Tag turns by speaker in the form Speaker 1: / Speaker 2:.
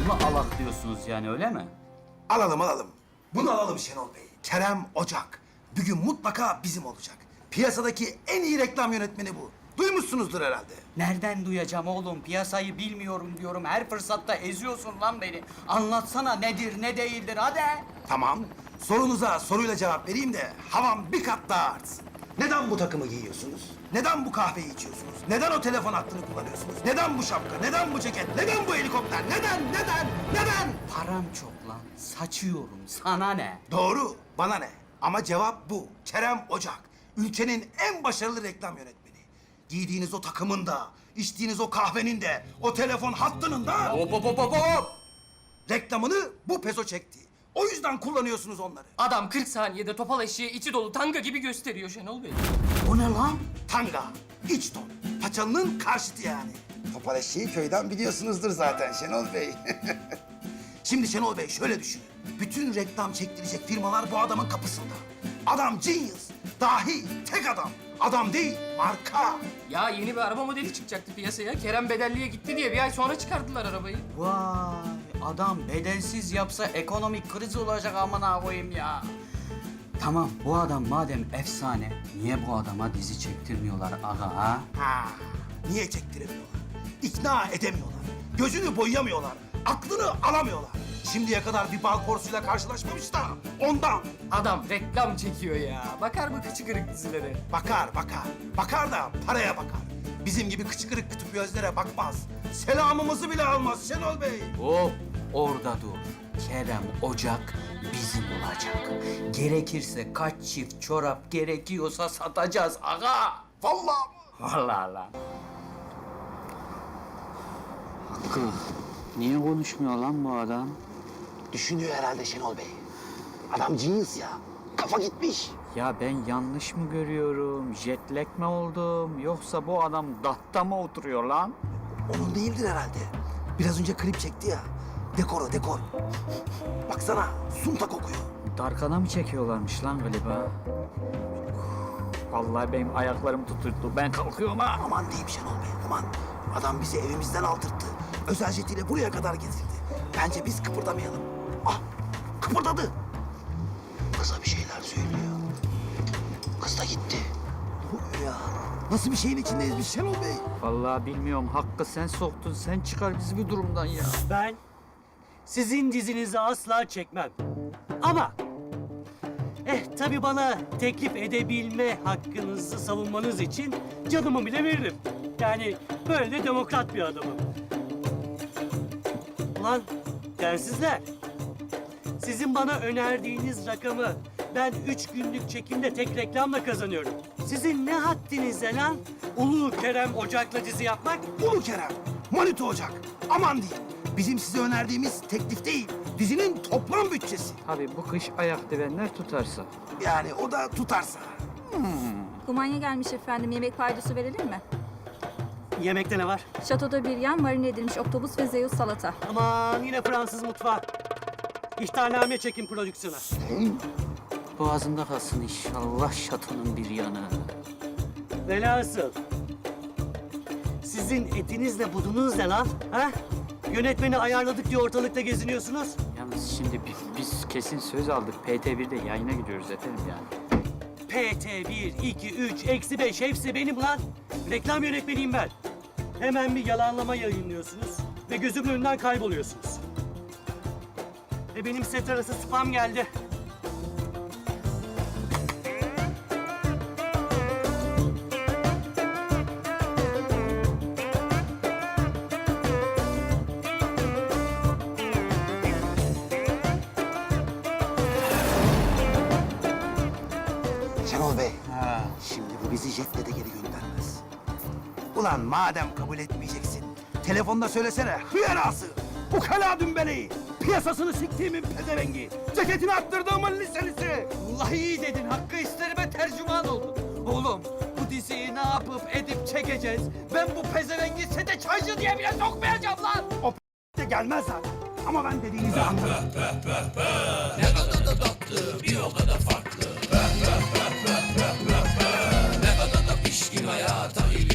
Speaker 1: mı alak diyorsunuz yani, öyle mi?
Speaker 2: Alalım. Bunu alalım Şenol Bey. Kerem Ocak. Bugün mutlaka bizim olacak. Piyasadaki en iyi reklam yönetmeni bu. Duymuşsunuzdur herhalde.
Speaker 1: Nereden duyacağım oğlum? Piyasayı bilmiyorum diyorum. Her fırsatta eziyorsun lan beni. Anlatsana, nedir ne değildir, hadi.
Speaker 2: Tamam. Sorunuza soruyla cevap vereyim de havam bir kat daha artsın. Neden bu takımı giyiyorsunuz? Neden bu kahveyi içiyorsunuz? Neden o telefon hattını kullanıyorsunuz? Neden bu şapka? Neden bu ceket? Neden bu helikopter? Neden?
Speaker 1: Param çok lan. Saçıyorum. Sana ne?
Speaker 2: Doğru. Bana ne? Ama cevap bu. Kerem Ocak. Ülkenin en başarılı reklam yönetmeni. Giydiğiniz o takımın da, içtiğiniz o kahvenin de, o telefon hattının da...
Speaker 1: Hop!
Speaker 2: Reklamını bu peso çekti. O yüzden kullanıyorsunuz onları.
Speaker 3: Adam 40 saniyede topal eşeği içi dolu tanga gibi gösteriyor Şenol Bey.
Speaker 1: O ne lan?
Speaker 2: Tanga, iç ton. Paçalının karşıtı yani. Topal eşeği köyden biliyorsunuzdur zaten Şenol Bey. Şimdi Şenol Bey şöyle düşünün. Bütün reklam çektirecek firmalar bu adamın kapısında. Adam genius, dahi, tek adam. Adam değil, marka.
Speaker 3: Ya yeni bir araba modeli çıkacaktı piyasaya. Kerem bedelliye gitti diye bir ay sonra çıkardılar arabayı.
Speaker 1: Vay, adam bedelsiz yapsa ekonomik kriz olacak, amına koyayım ya. Tamam, bu adam madem efsane, niye bu adama dizi çektirmiyorlar aga ha?
Speaker 2: Ha, niye çektiremiyorlar? İkna edemiyorlar. Gözünü boyayamıyorlar. Aklını alamıyorlar. Şimdiye kadar bir bal porsuyla karşılaşmamış da ondan.
Speaker 3: Adam reklam çekiyor ya. Bakar mı kıçı kırık dizilere?
Speaker 2: Bakar. Bakar da paraya bakar. Bizim gibi kıçı kırık kütüp gözlere bakmaz. Selamımızı bile almaz Şenol Bey.
Speaker 1: Hop, orada dur. Kerem Ocak bizim olacak. Gerekirse kaç çift çorap gerekiyorsa satacağız aga.
Speaker 2: Vallahi.
Speaker 1: Vallahi lan. Hakkı, niye konuşmuyor lan bu adam?
Speaker 2: Düşünüyor herhalde Şenol Bey. Adam genius ya. Kafa gitmiş.
Speaker 1: Ya ben yanlış mı görüyorum? Jetlag mi oldum? Yoksa bu adam datta mı oturuyor lan?
Speaker 2: Onun değildir herhalde. Biraz önce klip çekti ya. Dekor. Baksana sunta kokuyor.
Speaker 1: Darkana mı çekiyorlarmış lan galiba? Vallahi benim ayaklarım tutuldu. Ben kalkıyorum ha.
Speaker 2: Aman diyeyim Şenol Bey, aman. Adam bizi evimizden aldırttı. Özel jetiyle buraya kadar getirdi. Bence biz kıpırdamayalım. Ah, kıpırdadı. Kıza bir şeyler söylüyor. Kız da gitti. Ya, nasıl bir şeyin içindeyiz biz Şenol Bey?
Speaker 1: Vallahi bilmiyorum. Hakkı sen soktun. Sen çıkar bizi bir durumdan ya.
Speaker 4: Ben sizin dizinizi asla çekmem. Ama tabii bana teklif edebilme hakkınızı savunmanız için canımı bile veririm. Yani böyle de demokrat bir adamım. Ulan densizler. Sizin bana önerdiğiniz rakamı ben 3 günlük çekimde tek reklamla kazanıyorum. Sizin ne haddinize lan Ulu Kerem Ocak'la dizi yapmak?
Speaker 2: Ulu Kerem, Manito Ocak. Aman diyeyim. Bizim size önerdiğimiz teklif değil, dizinin toplam bütçesi.
Speaker 1: Tabii bu kış ayak divenler tutarsa.
Speaker 2: Yani o da tutarsa.
Speaker 5: Kumanya gelmiş efendim. Yemek paydosu verelim mi?
Speaker 4: Yemekte ne var?
Speaker 5: Şatoda bir yan, marine edilmiş oktopus ve Zeus salata.
Speaker 4: Aman yine Fransız mutfağı. İhtarname çekin prodüksiyona.
Speaker 1: Boğazında kalsın inşallah şatonun bir yanı.
Speaker 4: Velhasıl. Sizin etinizle budunuz ne lan? Ha? Yönetmeni ayarladık diye ortalıkta geziniyorsunuz.
Speaker 1: Yalnız şimdi biz kesin söz aldık. PT1'de yayına gidiyoruz efendim yani.
Speaker 4: PT 1, 2, 3, eksi 5 hepsi benim lan. Reklam yönetmeniyim ben. Hemen bir yalanlama yayınlıyorsunuz ve gözümün önünden kayboluyorsunuz. Benim set arası spam geldi.
Speaker 2: Şenol Bey, şimdi bu bizi jetle de geri göndermez. Ulan madem kabul etmeyeceksin, telefonda söylesene hıyarası, ukala dümbeleyi, piyasasını siktiğimin pezevengi, ceketini attırdığımın liselisi.
Speaker 6: Vallahi iyi dedin. Hakkı isterime tercüman oldun. Oğlum bu diziyi ne yapıp edip çekeceğiz? Ben bu pezevengi sete çaycı diye bile sokmayacağım lan.
Speaker 2: O de gelmez zaten. Ama ben dediğinizi anladım.
Speaker 7: Ne kadar da tatlı, bir o kadar farklı. Ne kadar da pişkin hayata ilgili.